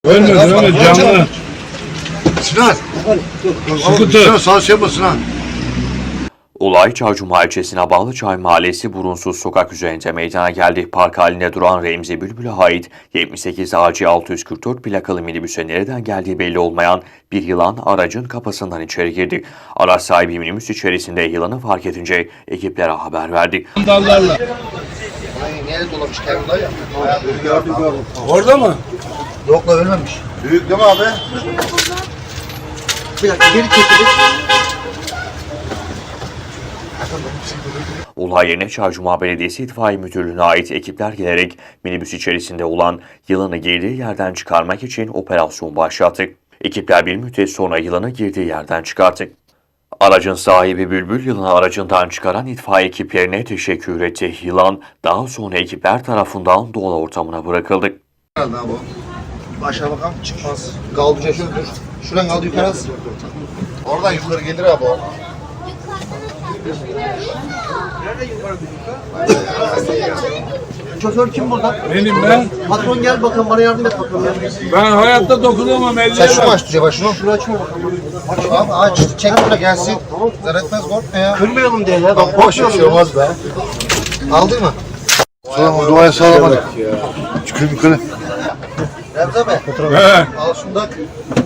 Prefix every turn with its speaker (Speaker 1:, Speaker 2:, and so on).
Speaker 1: Ölme canlı.
Speaker 2: Sinan.
Speaker 1: Sıkı
Speaker 2: Sinan
Speaker 1: tut.
Speaker 2: sağ şey yapma Sinan.
Speaker 3: Olay Çaycuma ilçesine bağlı Çay Mahallesi Burunsuz sokak üzerinde meydana geldi. Park halinde duran Remzi Bülbül'e ait 78 AC 644 plakalı minibüse nereden geldiği belli olmayan bir yılan aracın kapısından içeri girdi. Araç sahibi minibüs içerisinde yılanı fark edince ekiplere haber verdi.
Speaker 1: Dallarla.
Speaker 2: Nereye dolamış kendine ya?
Speaker 1: Orada mı?
Speaker 2: Yok la ölmemiş. Büyük değil mi abi? Bir dakika geri çekilir.
Speaker 3: Olay yerine Çaycuma Belediyesi İtfaiye Müdürlüğü'ne ait ekipler gelerek minibüs içerisinde olan yılanı girdiği yerden çıkarmak için operasyon başlattı. Ekipler bir müddet sonra yılanı girdiği yerden çıkarttı. Aracın sahibi Bülbül yılanı aracından çıkaran itfaiye ekiplerine teşekkür etti. Yılan daha sonra ekipler tarafından doğal ortamına bırakıldı.
Speaker 2: Herhalde abi o. Aşağı bakalım çıkmaz. Kaldıca şöyle dur. Şuradan kaldı yukarı az. Oradan yukarı gelir abi o.
Speaker 4: Şoför kim burada?
Speaker 1: Benim ben.
Speaker 4: Patron gel bakalım bana yardım et bakalım ya.
Speaker 1: Ben hayatta dokunamam
Speaker 2: Sen
Speaker 1: ellerime.
Speaker 2: şunu aç Tuca başını.
Speaker 4: Şunu açma bakalım.
Speaker 2: Abi aç. Çek şuna gelsin. Zarar etmez korkma ya.
Speaker 4: Kırmayalım diye ya.
Speaker 2: Bak boş bir şey olmaz be. Aldın mı? Sonra duaya sağlamadık. Çıkıyor yukarı. Remzi abi.
Speaker 1: He.
Speaker 2: Al şunu da.